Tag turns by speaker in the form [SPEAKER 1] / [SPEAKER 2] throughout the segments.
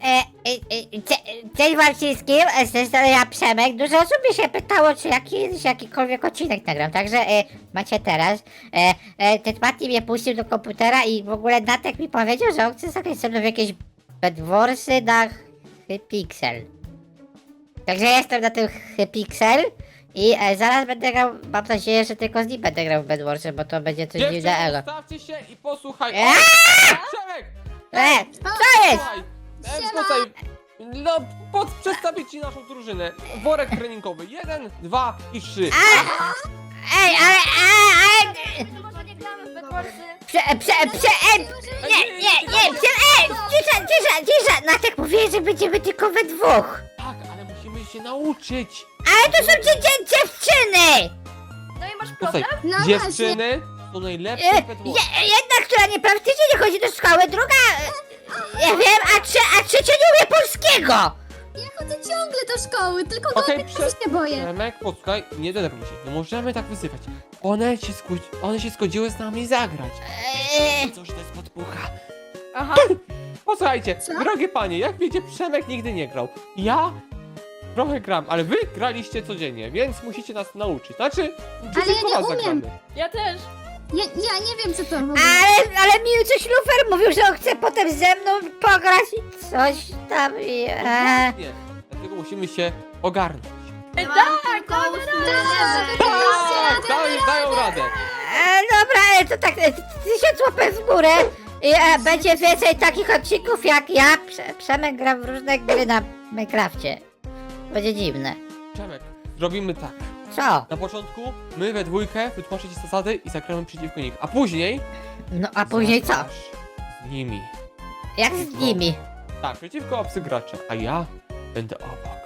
[SPEAKER 1] Cześć wam wszystkim, z tej strony ja Przemek. Dużo osób mnie się pytało, czy jakikolwiek odcinek nagram, także macie teraz. Ten Mati mnie puścił do komputera i w ogóle Natek mi powiedział, że on chce zagrać ze mną w jakieś Bedwarsy na Hypixel. Także jestem na tym Hypixel i zaraz będę grał, mam nadzieję, że tylko z nim będę grał w Bedwarsy, bo to będzie coś dziwnego.
[SPEAKER 2] Stawcie się i posłuchaj. Przemek!
[SPEAKER 1] Co jest?
[SPEAKER 2] Słuchaj, no, przedstawię ci naszą drużynę. Worek treningowy. 1, 2 i 3.
[SPEAKER 1] Ej, ale...
[SPEAKER 3] Może nie gramy w Bedwarsy?
[SPEAKER 1] Cisza! Natek mówiłeś, że będziemy tylko we dwóch.
[SPEAKER 2] Tak, ale musimy się nauczyć.
[SPEAKER 1] Ale to są dziewczyny!
[SPEAKER 3] No i masz
[SPEAKER 2] Słuchaj,
[SPEAKER 3] problem?
[SPEAKER 4] No
[SPEAKER 2] dziewczyny są najlepsze w Bedwarsy.
[SPEAKER 1] Jedna, która praktycznie nie chodzi do szkoły, druga... Ja wiem, a trzecia nie umie polskiego!
[SPEAKER 4] Ja chodzę ciągle do szkoły, tylko
[SPEAKER 2] Okej,
[SPEAKER 4] go się boję.
[SPEAKER 2] Przemek, posłuchaj, nie denerwuj się. Nie możemy tak wysypać. One się zgodziły z nami zagrać. Cóż, to jest podpucha.
[SPEAKER 3] Aha.
[SPEAKER 2] Posłuchajcie,
[SPEAKER 4] Co?
[SPEAKER 2] drogie panie, jak wiecie, Przemek nigdy nie grał. Ja trochę gram, ale wy graliście codziennie, więc musicie nas nauczyć. Znaczy,
[SPEAKER 4] Ale ja
[SPEAKER 2] tylko
[SPEAKER 4] nie
[SPEAKER 2] was
[SPEAKER 4] umiem.
[SPEAKER 2] zagramy.
[SPEAKER 3] Ja też.
[SPEAKER 4] Ja nie wiem, co to mówi.
[SPEAKER 1] Ale mi coś Lufer mówił, że on chce potem ze mną pograć i coś tam i...
[SPEAKER 2] Nie, dlatego musimy się ogarnąć.
[SPEAKER 3] Tak,
[SPEAKER 2] Tak, dają radę.
[SPEAKER 1] Dobra, to tak 1000 łapek w górę i będzie więcej takich odcinków jak ja. Przemek gra w różne gry na Minecrafcie. Będzie dziwne.
[SPEAKER 2] Przemek, zrobimy tak.
[SPEAKER 1] Co?
[SPEAKER 2] Na początku my we dwójkę wytłumaczę ci zasady i zagramy przeciwko nich, a później...
[SPEAKER 1] No a później co?
[SPEAKER 2] zagrasz z nimi.
[SPEAKER 1] Jak z nimi?
[SPEAKER 2] Tak, przeciwko obcy gracze, a ja będę obok.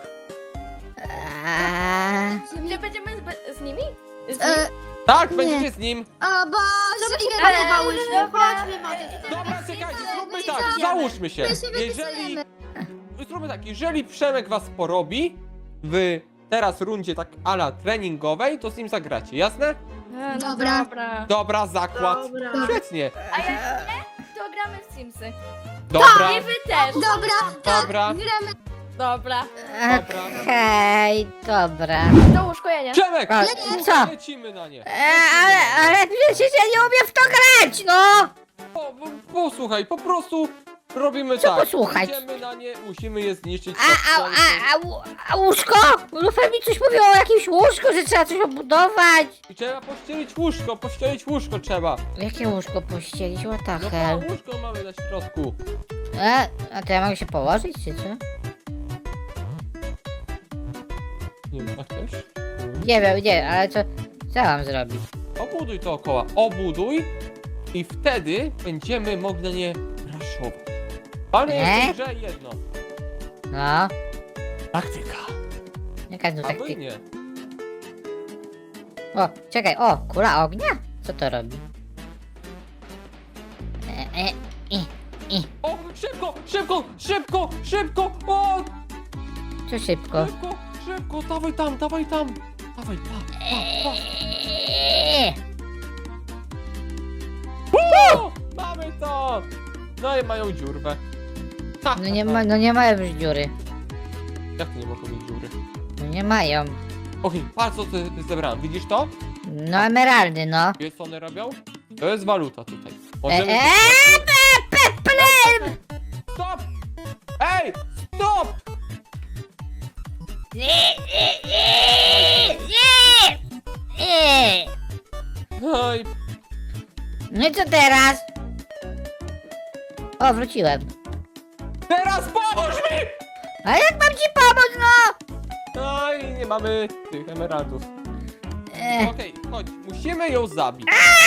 [SPEAKER 3] Czy będziemy z nimi? Z nimi?
[SPEAKER 2] Tak,
[SPEAKER 4] Nie.
[SPEAKER 2] będziecie z nim.
[SPEAKER 4] O Boże, ile
[SPEAKER 3] Eee,
[SPEAKER 4] próbowałyśmy.
[SPEAKER 3] dobra.
[SPEAKER 4] Chodźmy może.
[SPEAKER 2] Dobra, czekajcie, zróbmy
[SPEAKER 4] My
[SPEAKER 2] tak,
[SPEAKER 4] się
[SPEAKER 2] załóżmy się.
[SPEAKER 4] My się
[SPEAKER 2] Jeżeli...
[SPEAKER 4] wypisujemy.
[SPEAKER 2] Zróbmy tak, jeżeli Przemek was porobi w teraz rundzie tak ala treningowej, to z nim zagracie, jasne?
[SPEAKER 3] No
[SPEAKER 4] Dobra.
[SPEAKER 3] dobra.
[SPEAKER 2] Dobra, zakład. Świetnie.
[SPEAKER 3] A jak nie, to gramy w Simsy.
[SPEAKER 2] Dobra,
[SPEAKER 3] I wy też.
[SPEAKER 4] Dobra, tak,
[SPEAKER 2] Dobra.
[SPEAKER 4] gramy.
[SPEAKER 3] Dobra.
[SPEAKER 1] Okej, dobra.
[SPEAKER 3] To łóżko ja nie.
[SPEAKER 2] Przemek!
[SPEAKER 1] A, co?
[SPEAKER 2] Lecimy na nie.
[SPEAKER 1] Ale przecież ja nie umiem w to grać, no!
[SPEAKER 2] Posłuchaj, po prostu robimy
[SPEAKER 1] Co
[SPEAKER 2] tak.
[SPEAKER 1] posłuchać?
[SPEAKER 2] Idziemy na nie, musimy je zniszczyć.
[SPEAKER 1] A łóżko? Lufer mi coś mówił o jakimś łóżku, że trzeba coś obudować.
[SPEAKER 2] I trzeba pościelić łóżko trzeba.
[SPEAKER 1] Jakie łóżko pościelić? What the
[SPEAKER 2] No
[SPEAKER 1] hell?
[SPEAKER 2] to łóżko mamy na środku.
[SPEAKER 1] A to ja mogę się położyć, czy co?
[SPEAKER 2] Nie wiem, a chcesz?
[SPEAKER 1] Nie wiem, nie, ale co mam zrobić?
[SPEAKER 2] Obuduj dookoła, obuduj i wtedy będziemy mogli na nie raszować. Ale jeszcze grze jedno.
[SPEAKER 1] No,
[SPEAKER 2] Taktyka.
[SPEAKER 1] jaka tu
[SPEAKER 2] A wy
[SPEAKER 1] taktyka?
[SPEAKER 2] nie.
[SPEAKER 1] O, czekaj, o, kula ognia? Co to robi?
[SPEAKER 2] O, szybko! O,
[SPEAKER 1] Co szybko?
[SPEAKER 2] szybko, dawaj tam. Dawaj, pa. O, mamy to! No i mają dziurwę. Ha,
[SPEAKER 1] No nie mają już dziury.
[SPEAKER 2] Jak to nie mogą mieć dziury?
[SPEAKER 1] No nie mają.
[SPEAKER 2] Okej, patrz co ty zebrałem, widzisz to?
[SPEAKER 1] No emeraldy, no.
[SPEAKER 2] Wiesz co one robią? To jest waluta tutaj. Możemy... Stop! Ej! Stop! Oj,
[SPEAKER 1] No i co teraz? O, wróciłem.
[SPEAKER 2] teraz pomóż mi!
[SPEAKER 1] A jak mam ci pomóc, no?
[SPEAKER 2] Oj, nie mamy tych emeraldów. Okej, chodź, musimy ją zabić.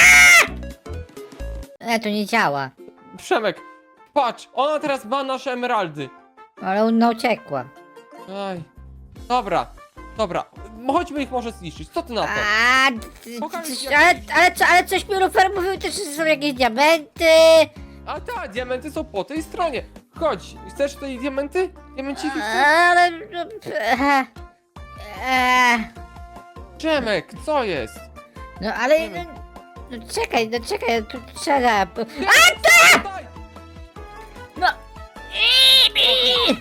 [SPEAKER 1] To nie działa.
[SPEAKER 2] Przemek, patrz, ona teraz ma nasze emeraldy.
[SPEAKER 1] Ale ona uciekła.
[SPEAKER 2] Oj, dobra, chodźmy ich może zniszczyć, co ty na to?
[SPEAKER 1] Ale coś mi Lufer mówił też, że są jakieś diamenty.
[SPEAKER 2] A tak, diamenty są po tej stronie. Chodź, chcesz tutaj diamenty? Diamenciki chcesz?
[SPEAKER 1] Ale...
[SPEAKER 2] Przemek, co jest?
[SPEAKER 1] No ale... No czekaj, tu trzeba...
[SPEAKER 2] Daj!
[SPEAKER 1] No!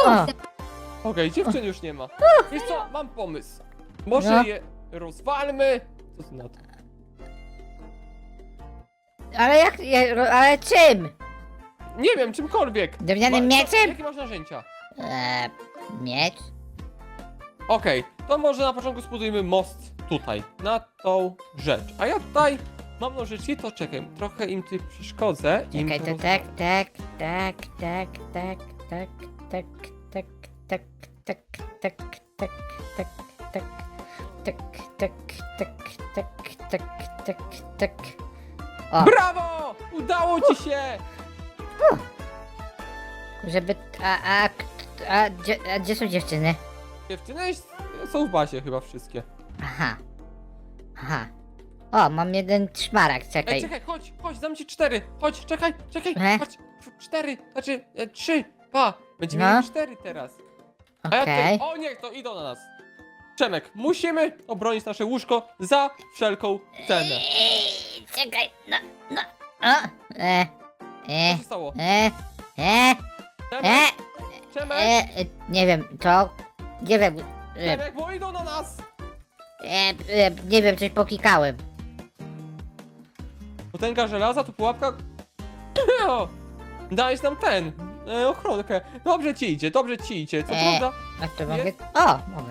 [SPEAKER 1] O,
[SPEAKER 2] Okej, dziewczyn już nie ma. Wiesz co, mam pomysł. Może
[SPEAKER 1] No.
[SPEAKER 2] je rozwalmy? Co ty na to?
[SPEAKER 1] ale czym?
[SPEAKER 2] Nie wiem, czymkolwiek.
[SPEAKER 1] Drewnianym mieczem?
[SPEAKER 2] Jakie masz narzędzia?
[SPEAKER 1] Miecz?
[SPEAKER 2] Okej, to może na początku zbudujmy most tutaj, na tą rzecz. A ja tutaj mam nożyczki, to czekaj, trochę im tutaj przeszkodzę. im
[SPEAKER 1] Czekaj, to
[SPEAKER 2] rozwalę.
[SPEAKER 1] tak. O,
[SPEAKER 2] Brawo! Udało ci się!
[SPEAKER 1] żeby... A gdzie są dziewczyny?
[SPEAKER 2] Dziewczyny są w bazie chyba wszystkie.
[SPEAKER 1] Aha. O, mam jeden szmaragd,
[SPEAKER 2] Ej,
[SPEAKER 1] czekaj.
[SPEAKER 2] czekaj, chodź, dam ci 4. Chodź, czekaj, chodź. 4, znaczy 3, 2. Będziemy
[SPEAKER 1] No.
[SPEAKER 2] mieli 4 teraz. A ja
[SPEAKER 1] Okej.
[SPEAKER 2] tutaj, o nie, to idą na nas. Przemek, musimy obronić nasze łóżko za wszelką cenę.
[SPEAKER 1] Czekaj, no. O,
[SPEAKER 2] Co się stało?
[SPEAKER 1] e,
[SPEAKER 2] Przemek,
[SPEAKER 1] nie wiem, to... Nie wiem,
[SPEAKER 2] Przemek, bo idą na nas.
[SPEAKER 1] nie wiem, coś poklikałem.
[SPEAKER 2] Potęga żelaza, tu pułapka. O, dałeś nam ochronkę. Dobrze ci idzie, Co prawda?
[SPEAKER 1] A to mogę...
[SPEAKER 2] Jest?
[SPEAKER 1] O, mogę.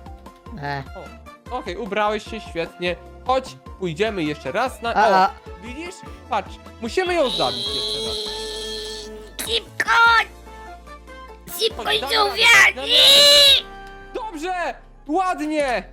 [SPEAKER 2] Okej, ubrałeś się świetnie. Chodź, pójdziemy jeszcze raz na...
[SPEAKER 1] O,
[SPEAKER 2] O, widzisz? Patrz, musimy ją zabić jeszcze raz.
[SPEAKER 1] szybko! Szybko
[SPEAKER 2] Chodź,
[SPEAKER 1] i
[SPEAKER 2] damy
[SPEAKER 1] żółwia!
[SPEAKER 2] radę, damy Dobrze! Ładnie!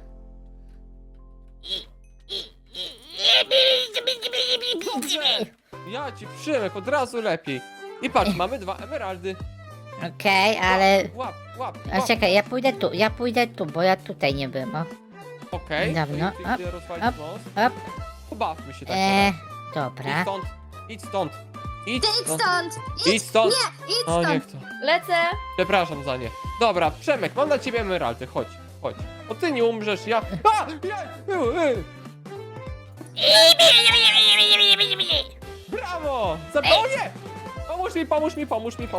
[SPEAKER 2] Dobrze! Ja ci Przemek, od razu lepiej. I patrz, mamy 2 emeraldy.
[SPEAKER 1] Okej, ale...
[SPEAKER 2] Łap.
[SPEAKER 1] A czekaj, ja pójdę tu, bo ja tutaj nie byłem, o.
[SPEAKER 2] Okej.
[SPEAKER 1] Dawno.
[SPEAKER 2] to idę rozwalić
[SPEAKER 1] Op,
[SPEAKER 2] most.
[SPEAKER 1] op.
[SPEAKER 2] Pobawmy się tak
[SPEAKER 1] Dobra.
[SPEAKER 2] Idź stąd. Idź
[SPEAKER 4] Ty idź
[SPEAKER 2] stąd.
[SPEAKER 4] stąd!
[SPEAKER 2] Idź stąd.
[SPEAKER 4] Idź
[SPEAKER 2] O, niech
[SPEAKER 4] stąd!
[SPEAKER 2] to.
[SPEAKER 3] Lecę.
[SPEAKER 2] Przepraszam za nie. Dobra, Przemek, mam dla ciebie emeraldy. Chodź. Bo ty nie umrzesz, ja... A! Brawo! O nie! Pomóż mi.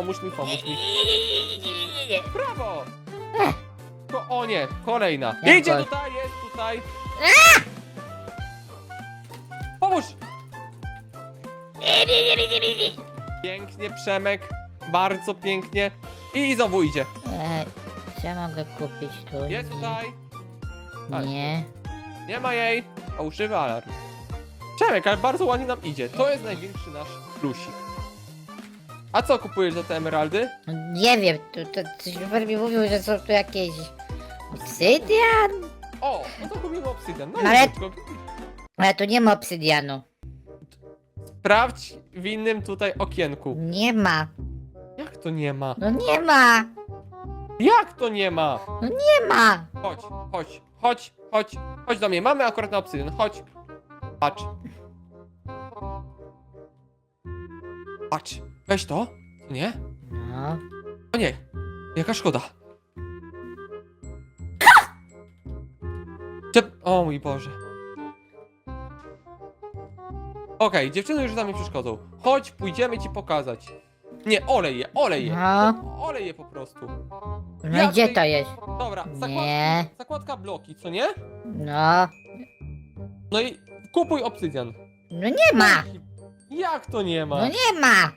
[SPEAKER 2] Brawo! O nie, kolejna.
[SPEAKER 1] Jak
[SPEAKER 2] Idzie
[SPEAKER 1] to?
[SPEAKER 2] tutaj, jest tutaj. Pomóż! Pięknie, Przemek. Bardzo pięknie. I znowu idzie.
[SPEAKER 1] Co ja mogę kupić tu?
[SPEAKER 2] Jest tutaj.
[SPEAKER 1] Nie.
[SPEAKER 2] Nie ma jej. Fałszywy alarm. Przemek, ale bardzo ładnie nam idzie. To jest największy nasz plusik. A co kupujesz za te emeraldy?
[SPEAKER 1] Nie wiem, to super mi mówił, że są tu jakieś... Obsydian?
[SPEAKER 2] O, no to kupimy obsydian. No
[SPEAKER 1] Ale-
[SPEAKER 2] krótko.
[SPEAKER 1] Ale tu nie ma obsydianu.
[SPEAKER 2] Sprawdź w innym tutaj okienku.
[SPEAKER 1] Nie ma.
[SPEAKER 2] Jak to nie ma?
[SPEAKER 1] No nie ma.
[SPEAKER 2] Jak to nie ma?
[SPEAKER 1] Nie ma.
[SPEAKER 2] Chodź do mnie. Mamy akurat na obsydian. Chodź. Patrz. Weź to. Nie?
[SPEAKER 1] No.
[SPEAKER 2] O nie. Jaka szkoda. O mój Boże. Okej, dziewczyny już za mnie przeszkodzą. Chodź, pójdziemy ci pokazać. Nie, olej je.
[SPEAKER 1] No.
[SPEAKER 2] Olej je po prostu.
[SPEAKER 1] No
[SPEAKER 2] Ja
[SPEAKER 1] i gdzie
[SPEAKER 2] tutaj-
[SPEAKER 1] to jest?
[SPEAKER 2] Dobra,
[SPEAKER 1] Nie.
[SPEAKER 2] zakładka bloki, co nie?
[SPEAKER 1] No.
[SPEAKER 2] No i kupuj obsydian.
[SPEAKER 1] No nie ma.
[SPEAKER 2] Jak to nie ma?
[SPEAKER 1] No nie ma.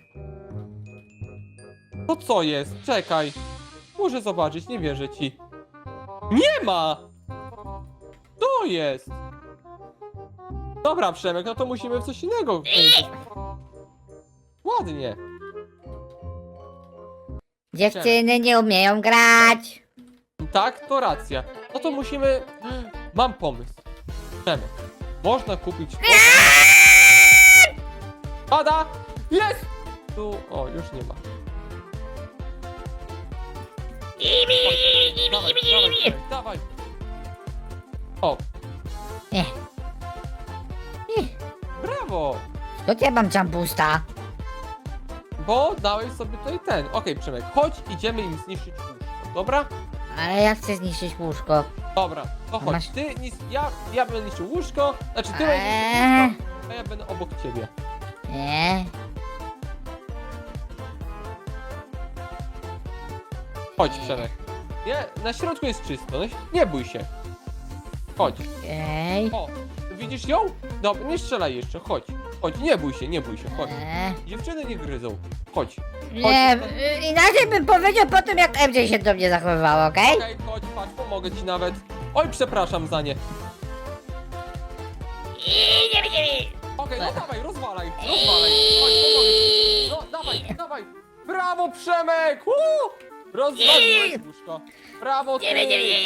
[SPEAKER 2] To co jest? Czekaj. Muszę zobaczyć, nie wierzę ci. Nie ma! To jest! Dobra, Przemek, no to musimy w coś innego. Ładnie.
[SPEAKER 1] Dziewczyny nie umieją grać.
[SPEAKER 2] Tak, to racja. No to musimy... Mam pomysł. Przemek, można kupić... Pada! Jest! Tu... O, już nie ma. Dawaj. O.
[SPEAKER 1] Nie.
[SPEAKER 2] Brawo!
[SPEAKER 1] To ja mam jambusta.
[SPEAKER 2] Bo dałeś sobie tutaj ten. Okej, Przemek, chodź, idziemy im zniszczyć łóżko. Dobra?
[SPEAKER 1] Ale ja chcę zniszczyć łóżko.
[SPEAKER 2] Dobra, to chodź.
[SPEAKER 1] Masz-
[SPEAKER 2] Ty nic. Ja będę niszczył łóżko. Znaczy ty będziesz niszczył łóżko, a ja będę obok ciebie.
[SPEAKER 1] Nie.
[SPEAKER 2] Chodź, Przemek. Nie, na środku jest czysto, no, nie bój się. Chodź.
[SPEAKER 1] Okej.
[SPEAKER 2] O, widzisz ją? Dobra, nie strzelaj jeszcze, chodź. Chodź, nie bój się, chodź. Dziewczyny nie gryzą. Chodź.
[SPEAKER 1] Nie, inaczej bym powiedział po tym, jak MJ się do mnie zachowywało, okej?
[SPEAKER 2] Okej, chodź, patrz, pomogę ci nawet. Oj, przepraszam za nie. Okej, no dawaj, rozwalaj. Chodź, pomogę ci. No, dawaj. Brawo, Przemek! Rozwaliłeś łóżko. Brawo, ty.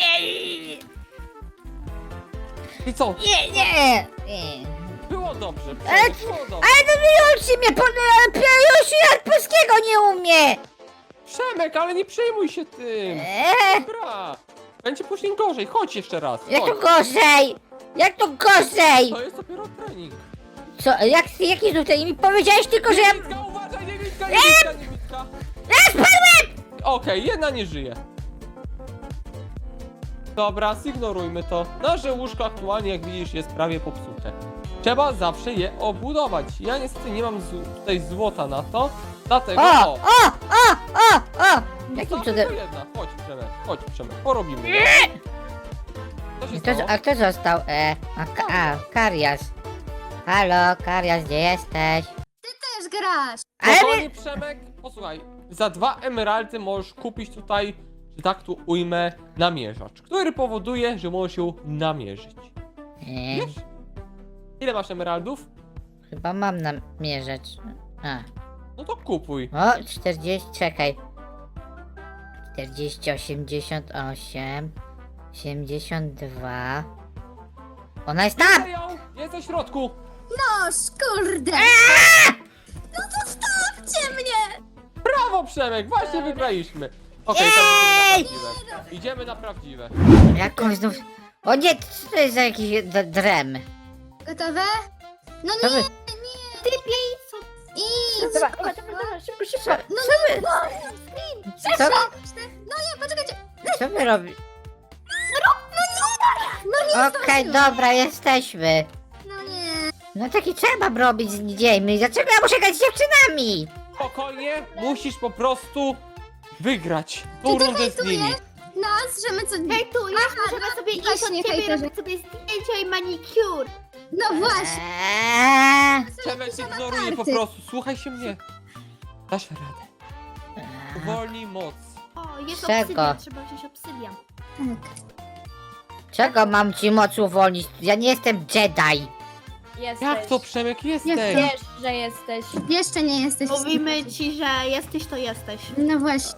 [SPEAKER 2] I co?
[SPEAKER 1] Nie.
[SPEAKER 2] Było dobrze,
[SPEAKER 1] Ale-
[SPEAKER 2] Przemek, było dobrze.
[SPEAKER 1] Ale to Yoshi mnie Yoshi jak polskiego nie umie!
[SPEAKER 2] Przemek, ale nie przejmuj się tym. Dobra. Będzie później gorzej, chodź jeszcze raz.
[SPEAKER 1] Jak to
[SPEAKER 2] Chodź.
[SPEAKER 1] gorzej? Jak to gorzej?
[SPEAKER 2] To jest dopiero trening.
[SPEAKER 1] Co, jaki tutaj? Mi powiedziałeś tylko, że ja...
[SPEAKER 2] Niewidka, uważaj, niewidka.
[SPEAKER 1] Ja spadłem!
[SPEAKER 2] Okej, jedna nie żyje. Dobra, zignorujmy to. Nasze łóżko aktualnie, jak widzisz, jest prawie popsute. Trzeba zawsze je obudować. Ja niestety nie mam tutaj złota na to. Dlatego...
[SPEAKER 1] O! Jakim
[SPEAKER 2] Została
[SPEAKER 1] cudem?
[SPEAKER 2] tylko jedna. Chodź Przemek, porobimy. Co się stało?
[SPEAKER 1] A kto został? Karias. Halo, Karias, gdzie jesteś?
[SPEAKER 4] Też grasz.
[SPEAKER 1] Ale
[SPEAKER 2] Spokojnie, Przemek, posłuchaj, za 2 emeraldy możesz kupić tutaj, że tak tu ujmę, namierzacz, który powoduje, że możesz ją namierzyć. Wiesz? Ile masz emeraldów?
[SPEAKER 1] Chyba mam namierzać.
[SPEAKER 2] No to kupuj.
[SPEAKER 1] O, 40, czekaj. 40, 88, 82. Ona jest tam!
[SPEAKER 2] Widzę ją! Jest na środku!
[SPEAKER 4] No, kurde. No to stawcie mnie.
[SPEAKER 2] Brawo, Przemek, właśnie wygraliśmy. Okej,
[SPEAKER 1] Jej!
[SPEAKER 2] to idziemy na prawdziwe.
[SPEAKER 1] Jakąś znów... O nie, co to jest za jakiś drem?
[SPEAKER 4] Gotowe? No
[SPEAKER 1] Co
[SPEAKER 4] nie,
[SPEAKER 1] wy...
[SPEAKER 4] idź.
[SPEAKER 3] Dobra, szybko.
[SPEAKER 4] No nie,
[SPEAKER 1] Co,
[SPEAKER 4] no nie, poczekajcie.
[SPEAKER 1] co wy robicie?
[SPEAKER 4] No nie,
[SPEAKER 1] Okej, dobra, jesteśmy.
[SPEAKER 4] no nie.
[SPEAKER 1] No taki trzeba robić z dziećmi. Dlaczego ja muszę grać z dziewczynami?
[SPEAKER 2] Spokojnie, musisz po prostu wygrać tą
[SPEAKER 4] Czy ty
[SPEAKER 2] rundę z nimi.
[SPEAKER 4] hejtujesz nas, że my co...
[SPEAKER 5] Hejtujesz, możemy sobie iść od
[SPEAKER 4] właśnie,
[SPEAKER 5] ciebie i
[SPEAKER 4] hejterze.
[SPEAKER 5] robić sobie zdjęcia i manicure.
[SPEAKER 4] No właśnie.
[SPEAKER 2] Przemek ignoruje po prostu, słuchaj się mnie. Dasz radę. Uwolnij moc.
[SPEAKER 5] O, jest
[SPEAKER 1] Czego?
[SPEAKER 5] obsydian, trzeba wziąć obsydian.
[SPEAKER 4] Tak.
[SPEAKER 1] Czego mam ci moc uwolnić? Ja nie jestem Jedi.
[SPEAKER 3] Jesteś.
[SPEAKER 2] Jak to, Przemek, jesteś?
[SPEAKER 3] Wiesz, że jesteś.
[SPEAKER 4] Jeszcze nie jesteś.
[SPEAKER 5] Mówimy ci, że jesteś, to jesteś.
[SPEAKER 4] No właśnie.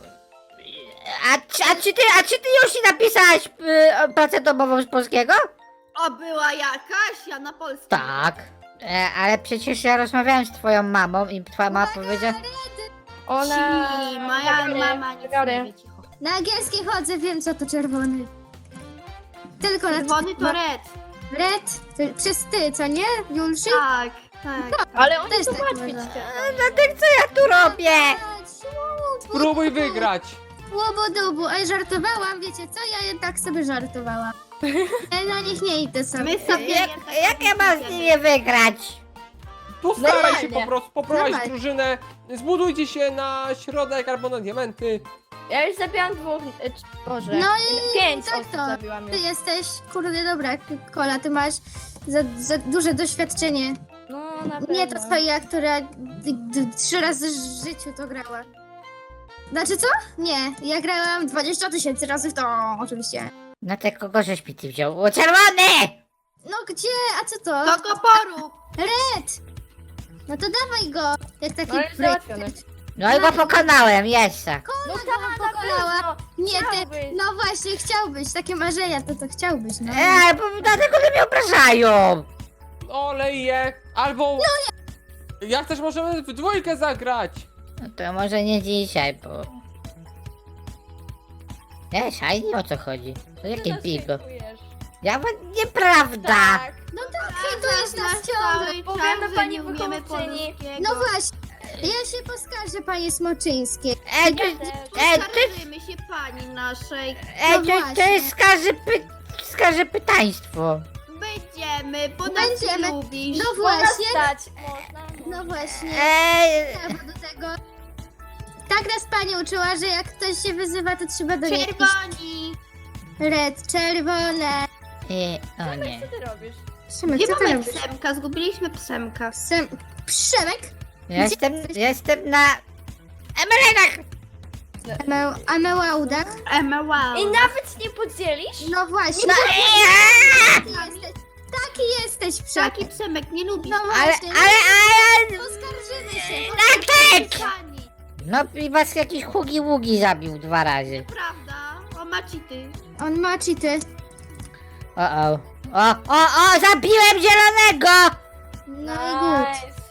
[SPEAKER 1] A czy ty już napisałaś pracę domową z polskiego?
[SPEAKER 5] O, była jakaś, ja na polskim.
[SPEAKER 1] Tak. Ale przecież ja rozmawiałem z twoją mamą i twoja mama powiedziała...
[SPEAKER 3] Ona...
[SPEAKER 5] Ci, moja mama nic nie wie, cicho.
[SPEAKER 4] Na angielski chodzę, wiem co to czerwony. Tylko na
[SPEAKER 5] Czerwony to red.
[SPEAKER 4] red. Przez ty, co nie, Julszy?
[SPEAKER 5] Tak, tak.
[SPEAKER 3] Ale oni
[SPEAKER 4] Też
[SPEAKER 3] to
[SPEAKER 4] tak
[SPEAKER 3] łatwiej
[SPEAKER 4] można.
[SPEAKER 1] Dlatego co ja tu robię?
[SPEAKER 2] Spróbuj wygrać.
[SPEAKER 4] Łobodubu, ej, żartowałam, wiecie co? Ja jednak sobie żartowałam. Ja na nich nie idę sobie.
[SPEAKER 5] My sobie
[SPEAKER 1] Jak ja mam z nimi wygrać?
[SPEAKER 2] Postaraj się
[SPEAKER 3] Normalnie.
[SPEAKER 2] po prostu poprowadzić
[SPEAKER 4] Dawaj.
[SPEAKER 2] drużynę. Zbudujcie się na środek albo na diamenty.
[SPEAKER 3] Ja już zabiłam 2... Boże.
[SPEAKER 4] No i
[SPEAKER 3] 5
[SPEAKER 4] tak
[SPEAKER 3] osób
[SPEAKER 4] to.
[SPEAKER 3] zabiłam
[SPEAKER 4] Ty
[SPEAKER 3] już.
[SPEAKER 4] jesteś, kurde, dobra, Kola, ty masz za duże doświadczenie.
[SPEAKER 3] No, na pewno.
[SPEAKER 4] Nie to twoja, która 3 razy w życiu to grała. Znaczy co? Nie, ja grałam 20 000 razy w to, oczywiście.
[SPEAKER 1] No te kogo żeś mi ty wziął? O, czerwony!
[SPEAKER 4] No gdzie? A co to?
[SPEAKER 5] Do koporu.
[SPEAKER 4] Red! No to dawaj go! Jak taki
[SPEAKER 3] No jest załatwiony.
[SPEAKER 1] No i go pokonałem, jeszcze.
[SPEAKER 3] No
[SPEAKER 4] Kola
[SPEAKER 3] tak,
[SPEAKER 4] go
[SPEAKER 3] na
[SPEAKER 4] pokonała.
[SPEAKER 3] pewno.
[SPEAKER 4] Nie, ty,
[SPEAKER 3] Chciałbyś.
[SPEAKER 4] no właśnie, chciałbyś, takie marzenia, to chciałbyś, no.
[SPEAKER 1] Ale dlatego że mnie obrażają.
[SPEAKER 2] Olej je. Albo... Jak też możemy w dwójkę zagrać.
[SPEAKER 1] No to może nie dzisiaj, bo... Nie, szajnie o co chodzi? To jakie
[SPEAKER 3] Ty
[SPEAKER 1] bigo?
[SPEAKER 3] nas hejtujesz.
[SPEAKER 1] Ja nieprawda!
[SPEAKER 3] Tak.
[SPEAKER 4] No tak, hejtujesz nas ciągle.
[SPEAKER 5] Cały
[SPEAKER 3] Powiemy
[SPEAKER 5] czas, że
[SPEAKER 3] pani
[SPEAKER 5] nie umiemy
[SPEAKER 3] wychowawczyni.
[SPEAKER 5] polskiego.
[SPEAKER 4] No właśnie, ja się poskarżę, panie Smoczyńskiej.
[SPEAKER 1] Ej, to,
[SPEAKER 5] Poskarżymy się pani naszej.
[SPEAKER 1] to
[SPEAKER 4] właśnie.
[SPEAKER 1] jest skarży pytaństwo.
[SPEAKER 5] Będziemy, bo nas
[SPEAKER 4] Będziemy.
[SPEAKER 5] lubisz.
[SPEAKER 4] No
[SPEAKER 3] Można
[SPEAKER 4] właśnie,
[SPEAKER 3] stać. Można.
[SPEAKER 4] no właśnie.
[SPEAKER 1] Ej,
[SPEAKER 4] Albo do tego. Tak nas pani uczyła, że jak ktoś się wyzywa, to trzeba do niej iść.
[SPEAKER 5] Czerwoni.
[SPEAKER 4] Red, czerwone.
[SPEAKER 1] O nie.
[SPEAKER 3] Co ty robisz?
[SPEAKER 4] Przemek,
[SPEAKER 5] Gdzie
[SPEAKER 4] co ty
[SPEAKER 5] mamy
[SPEAKER 4] robisz?
[SPEAKER 5] Psemka? Zgubiliśmy Psemka.
[SPEAKER 4] Przemek?
[SPEAKER 1] Jestem na emerytach.
[SPEAKER 4] A Mełaudach?
[SPEAKER 5] Wow.
[SPEAKER 3] I nawet nie podzielisz?
[SPEAKER 4] No właśnie.
[SPEAKER 1] No,
[SPEAKER 4] Taki jesteś, Przemek.
[SPEAKER 5] Taki Psemek nie lubi.
[SPEAKER 4] No
[SPEAKER 1] ale,
[SPEAKER 4] właśnie. Poskarżymy się.
[SPEAKER 1] Natek!
[SPEAKER 5] Pani.
[SPEAKER 1] No i was jakiś hugi-ługi zabił 2 razy.
[SPEAKER 5] Prawda? O, Macity.
[SPEAKER 4] On ma cheaty.
[SPEAKER 1] O, zabiłem zielonego!
[SPEAKER 4] No i good.
[SPEAKER 3] Nice.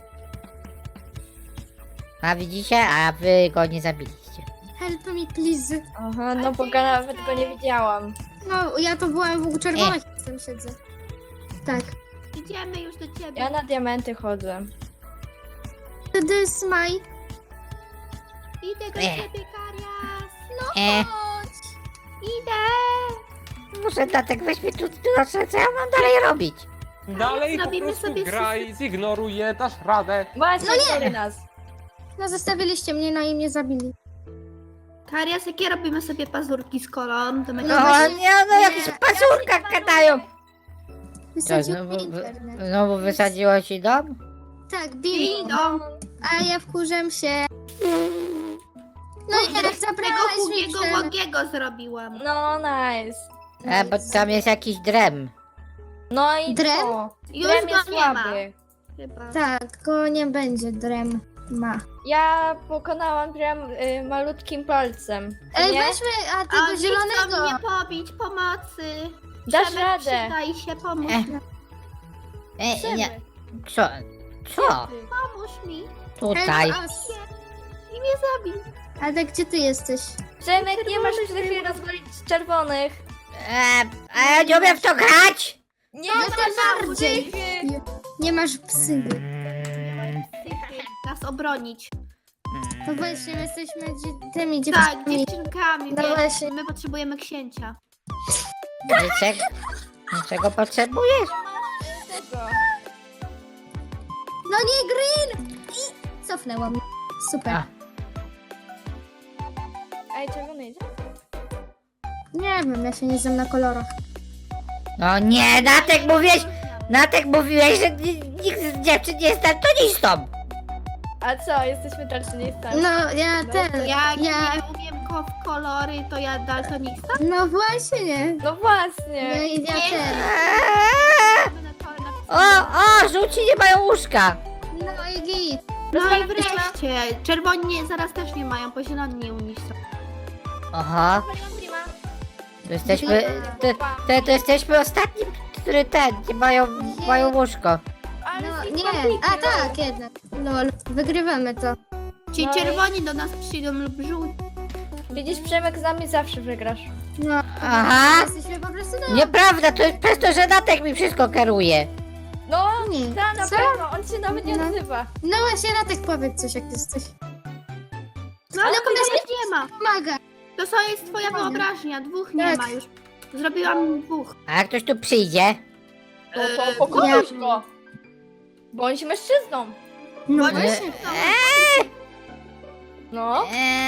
[SPEAKER 1] A widzicie? A wy go nie zabiliście.
[SPEAKER 4] Help me, please.
[SPEAKER 3] Aha, no bo nawet go nie widziałam.
[SPEAKER 4] No, ja to byłam w czerwonych, jestem siedzę. Tak.
[SPEAKER 5] Idziemy już do ciebie.
[SPEAKER 3] Ja na diamenty chodzę.
[SPEAKER 4] To this my...
[SPEAKER 5] Idę do ciebie, Karias. No
[SPEAKER 1] E,
[SPEAKER 5] chodź. Idę.
[SPEAKER 1] muszę Natek weź mnie tu, proszę, co ja mam dalej robić?
[SPEAKER 2] Dalej po
[SPEAKER 5] zrobimy
[SPEAKER 2] prostu
[SPEAKER 5] sobie
[SPEAKER 2] graj, zignoruj je, dasz radę.
[SPEAKER 3] Właśnie, no nas.
[SPEAKER 4] No, zostawiliście mnie, no i mnie zabili.
[SPEAKER 5] Karias, jakie robimy sobie pazurki z kolą? To
[SPEAKER 1] No,
[SPEAKER 5] będzie...
[SPEAKER 1] no jakieś pazurka gadają.
[SPEAKER 4] Wysadził
[SPEAKER 1] znowu,
[SPEAKER 4] mnie internet.
[SPEAKER 1] znowu wysadziło ci dom?
[SPEAKER 4] Tak, bili.
[SPEAKER 5] Idą.
[SPEAKER 4] A ja wkurzam się. No i teraz
[SPEAKER 5] Tego
[SPEAKER 4] zabrałeś mi
[SPEAKER 5] Hugiego
[SPEAKER 4] Przemek.
[SPEAKER 5] Łogiego zrobiłam.
[SPEAKER 3] No nice.
[SPEAKER 1] Bo tam jest jakiś drem.
[SPEAKER 3] No i
[SPEAKER 4] Drem?
[SPEAKER 3] co?
[SPEAKER 5] Już
[SPEAKER 3] Drem
[SPEAKER 5] go
[SPEAKER 3] jest
[SPEAKER 5] nie ma.
[SPEAKER 3] słaby.
[SPEAKER 5] Chyba.
[SPEAKER 4] Tak, go nie będzie, Drem ma.
[SPEAKER 3] Ja pokonałam Drem malutkim palcem.
[SPEAKER 4] Ej,
[SPEAKER 3] Nie?
[SPEAKER 4] weźmy, a
[SPEAKER 5] A
[SPEAKER 4] tego
[SPEAKER 5] nie chcą
[SPEAKER 4] zielonego.
[SPEAKER 5] mnie pobić, pomocy.
[SPEAKER 3] Dasz
[SPEAKER 5] Przemek,
[SPEAKER 3] radę.
[SPEAKER 5] Przydaj się, pomóż
[SPEAKER 1] E.
[SPEAKER 5] mi.
[SPEAKER 1] Nie,
[SPEAKER 3] Chcemy.
[SPEAKER 1] co? Co?
[SPEAKER 5] Pomóż mi.
[SPEAKER 1] Tutaj.
[SPEAKER 4] Help us.
[SPEAKER 5] I mnie zabił.
[SPEAKER 4] Ale gdzie ty jesteś?
[SPEAKER 3] Przemek, nie masz chwili rozwalić z czerwonych.
[SPEAKER 1] A ja nie umiem w to grać!
[SPEAKER 3] Nie
[SPEAKER 4] Ja tym bardziej. Nie masz psy.
[SPEAKER 5] Nas obronić.
[SPEAKER 4] No właśnie, my jesteśmy tymi
[SPEAKER 5] Tak,
[SPEAKER 4] dziewczynami.
[SPEAKER 5] dziewczynkami,
[SPEAKER 4] No
[SPEAKER 5] więc
[SPEAKER 4] właśnie.
[SPEAKER 5] my potrzebujemy księcia.
[SPEAKER 1] Czego potrzebujesz?
[SPEAKER 3] Tego.
[SPEAKER 4] No nie, Green! I cofnęłam. Super.
[SPEAKER 1] A.
[SPEAKER 3] Ej, czerwony idzie?
[SPEAKER 4] Nie wiem, ja się nie znam na kolorach.
[SPEAKER 1] No nie, Natek mówiłeś, że nikt z dziewczyn nie jest daltonistą.
[SPEAKER 3] A co, jesteśmy daltonistami?
[SPEAKER 4] No, ja ten,
[SPEAKER 5] Jak
[SPEAKER 4] ja...
[SPEAKER 5] nie umiem w kolory, to ja daltonista.
[SPEAKER 4] No właśnie.
[SPEAKER 3] No właśnie.
[SPEAKER 4] Ja ten.
[SPEAKER 1] O, żółci nie mają łóżka.
[SPEAKER 4] No i git.
[SPEAKER 5] No i wreszcie, czerwoni nie, zaraz też nie mają, bo zieloni nie u nich są.
[SPEAKER 1] Aha, to jesteśmy, to jesteśmy ostatni, który nie mają łóżko.
[SPEAKER 4] No nie, a tak, jednak. Lol, wygrywamy to.
[SPEAKER 5] Ci
[SPEAKER 3] No i-
[SPEAKER 5] czerwoni do nas przyjdą lub żółci.
[SPEAKER 3] Widzisz, Przemek, z nami zawsze wygrasz.
[SPEAKER 4] No,
[SPEAKER 1] Aha.
[SPEAKER 4] jesteśmy po prostu na...
[SPEAKER 1] Nieprawda, to jest przez to, że Natek mi wszystko kieruje.
[SPEAKER 3] No,
[SPEAKER 4] Nie.
[SPEAKER 3] ta na
[SPEAKER 4] Co?
[SPEAKER 3] pewno, on się nawet nie
[SPEAKER 4] No.
[SPEAKER 3] odzywa.
[SPEAKER 4] No właśnie, Natek, powiedz coś, jak jesteś.
[SPEAKER 5] No ale
[SPEAKER 4] kogoś
[SPEAKER 5] kogoś nie ma.
[SPEAKER 4] Pomaga.
[SPEAKER 5] To jest twoja wyobraźnia, dwóch nie
[SPEAKER 4] Tak.
[SPEAKER 5] ma już. Zrobiłam dwóch.
[SPEAKER 1] A jak ktoś tu przyjdzie?
[SPEAKER 3] No to pokonuj go. Bądź mężczyzną.
[SPEAKER 4] No
[SPEAKER 5] Bo
[SPEAKER 4] właśnie.
[SPEAKER 3] No.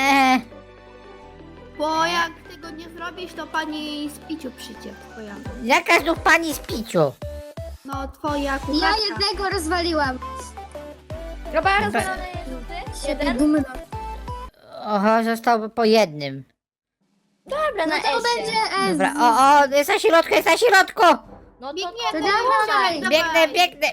[SPEAKER 5] Bo jak tego nie zrobisz, to pani z piciu przyjdzie twoja.
[SPEAKER 1] Jaka znów pani z piciu?
[SPEAKER 5] No twoja kucharka.
[SPEAKER 4] Ja jednego rozwaliłam.
[SPEAKER 3] Chyba rozwalony żółty.
[SPEAKER 4] Siebie
[SPEAKER 3] Jeden.
[SPEAKER 4] dumna.
[SPEAKER 1] Oho, został po jednym.
[SPEAKER 3] Dobra,
[SPEAKER 4] No
[SPEAKER 3] na
[SPEAKER 4] to
[SPEAKER 3] esie.
[SPEAKER 4] będzie S.
[SPEAKER 1] Dobra, jest na środku, jest na środku!
[SPEAKER 3] No to
[SPEAKER 5] Biegniemy,
[SPEAKER 4] To dawaj.
[SPEAKER 1] Biegnę.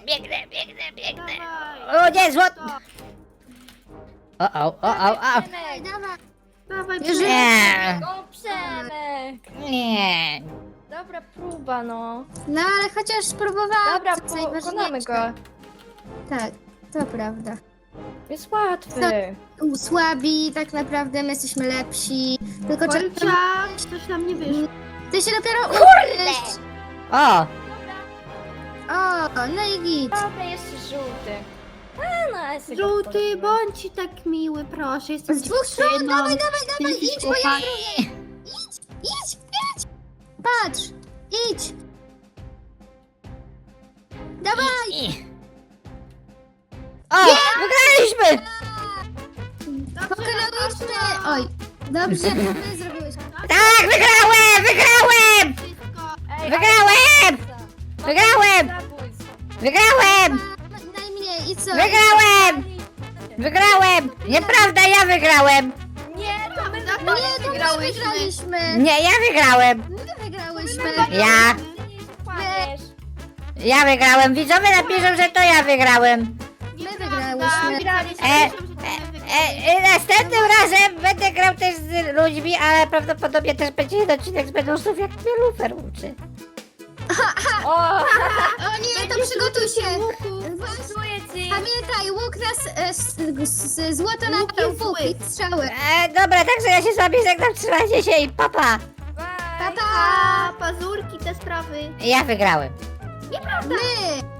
[SPEAKER 5] Dawaj.
[SPEAKER 1] O nie, złot!
[SPEAKER 5] To.
[SPEAKER 1] O.
[SPEAKER 4] Dawaj, dawaj.
[SPEAKER 5] Dawaj,
[SPEAKER 4] Już
[SPEAKER 5] Przemek.
[SPEAKER 1] Nie,
[SPEAKER 3] O, Przemek.
[SPEAKER 1] nie.
[SPEAKER 3] Dobra próba, no.
[SPEAKER 4] No ale chociaż próbowałam.
[SPEAKER 3] Dobra,
[SPEAKER 4] to
[SPEAKER 3] pokonamy
[SPEAKER 4] najważniejsze.
[SPEAKER 3] go.
[SPEAKER 4] Tak, to prawda.
[SPEAKER 3] Jest łatwy.
[SPEAKER 4] Słabi, tak naprawdę my jesteśmy lepsi. Tylko trzeba...
[SPEAKER 5] Polcia, coś nam nie wyszło.
[SPEAKER 4] Ty się dopiero uczysz.
[SPEAKER 1] O,
[SPEAKER 4] O, no i git.
[SPEAKER 3] Dobra, jeszcze żółty. A, no, esy go
[SPEAKER 5] Żółty,
[SPEAKER 3] wchodzimy.
[SPEAKER 5] bądź tak miły, proszę. Jestem
[SPEAKER 4] Z dwóch stron,
[SPEAKER 5] dziewczyną.
[SPEAKER 4] dawaj,
[SPEAKER 5] Jesteś
[SPEAKER 4] idź, bo ja
[SPEAKER 5] chłopakiem.
[SPEAKER 4] Idź. Patrz, idź. Dawaj.
[SPEAKER 1] o, wygraliśmy!
[SPEAKER 4] Pokonaliśmy! Oj, dobrze, my zrobiłeś.
[SPEAKER 1] Tak, wygrałem! Wygrałem!
[SPEAKER 5] Wszystko.
[SPEAKER 3] Ej,
[SPEAKER 1] Wygrałem!
[SPEAKER 3] ale-
[SPEAKER 1] Wygrałem!
[SPEAKER 3] Zabójstwo.
[SPEAKER 1] Wygrałem!
[SPEAKER 4] Najmniej i co?
[SPEAKER 1] Wygrałem! Wygrałem! Nieprawda, ja wygrałem!
[SPEAKER 3] Nie, to my
[SPEAKER 4] Nie, to my wygraliśmy!
[SPEAKER 1] Nie, ja wygrałem!
[SPEAKER 4] My wygrałyśmy!
[SPEAKER 1] Ja!
[SPEAKER 3] Kłamiesz.
[SPEAKER 1] Ja wygrałem! Widzowie napiszą, że to ja wygrałem!
[SPEAKER 4] My wygrałyśmy!
[SPEAKER 1] Następnym razem będę grał też z ludźmi, ale prawdopodobnie też będzie jeden odcinek z Benusów, jak mnie Lufer uczy.
[SPEAKER 3] O,
[SPEAKER 4] O nie, to przygotuj się!
[SPEAKER 3] pasuje ci.
[SPEAKER 4] Pamiętaj, łuk nas złoto na
[SPEAKER 5] Łuk jest
[SPEAKER 4] łuk
[SPEAKER 5] zły.
[SPEAKER 4] i strzały.
[SPEAKER 1] Dobra, także ja się z wami żegnam, trzymajcie się i papa!
[SPEAKER 3] Bye.
[SPEAKER 4] Pa, pa!
[SPEAKER 5] A, pazurki, te sprawy.
[SPEAKER 1] Ja wygrałem.
[SPEAKER 4] My!